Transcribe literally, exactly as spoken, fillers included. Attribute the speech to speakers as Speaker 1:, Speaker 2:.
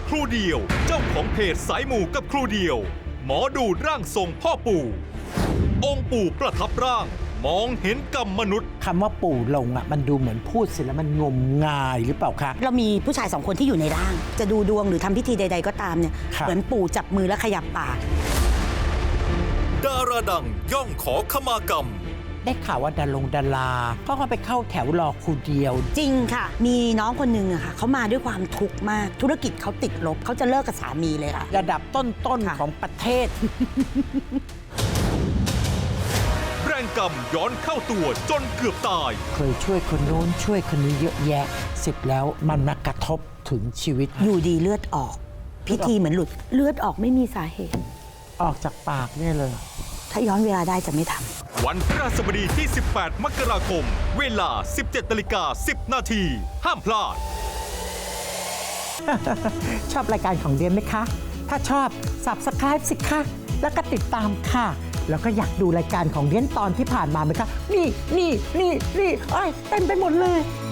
Speaker 1: ครูเดียวเจ้าของเพจสายหมู่กับครูเดียวหมอดูร่างทรงพ่อปู่องค์ปู่ประทับร่างมองเห็นกรรมมนุษย์
Speaker 2: คำว่าปู่ลงอ่ะมันดูเหมือนพูดเสร็จแล้วมันงมงายหรือเปล่าคะ
Speaker 3: เรามีผู้ชายสองคนที่อยู่ในร่างจะดูดวงหรือทำพิธีใดๆก็ตามเนี่ย
Speaker 2: ครับ
Speaker 3: เหมือนปู่จับมือและขยับปาก
Speaker 1: ดาราดังย่องขอขมากรรม
Speaker 2: ได้ข่าวว่าดารงดาราก็ไปเข้าแถวรอครูเดียว
Speaker 3: จริงค่ะ มีน้องคนหนึ่งอะค่ะเขามาด้วยความทุกข์มาก ธุรกิจเขาติดลบเขาจะเลิกกับสามีเลยค่ะ
Speaker 2: ระดับต้น
Speaker 3: ค่ะ
Speaker 2: ๆของประเทศ
Speaker 1: แรงกรรมย้อนเข้าตัวจนเกือบตาย
Speaker 2: เคยช่วยคนโน้นช่วยคนนี้เยอะแยะเสร็จแล้วมันมากระทบถึงชีวิต
Speaker 3: อยู่ดีเลือดออก พิธีเหมือนหลุดเลือดออกไม่มีสาเหตุ
Speaker 2: ออกจากปากเนี่ยเลย
Speaker 3: ถ้าย้อนเวลาได้จะไม่ทำ
Speaker 1: วันพฤหัสบดีที่ สิบแปด มกราคม เวลา สิบเจ็ดนาฬิกาสิบ นาที ห้ามพลาด
Speaker 2: ชอบรายการของเดียนไหมคะ ถ้าชอบ Subscribe สิคะแล้วก็ติดตามค่ะ แล้วก็อยากดูรายการของเดียนตอนที่ผ่านมาไหมคะ นี่นี่นี่นี่เอ้ยเต็มไปหมดเลย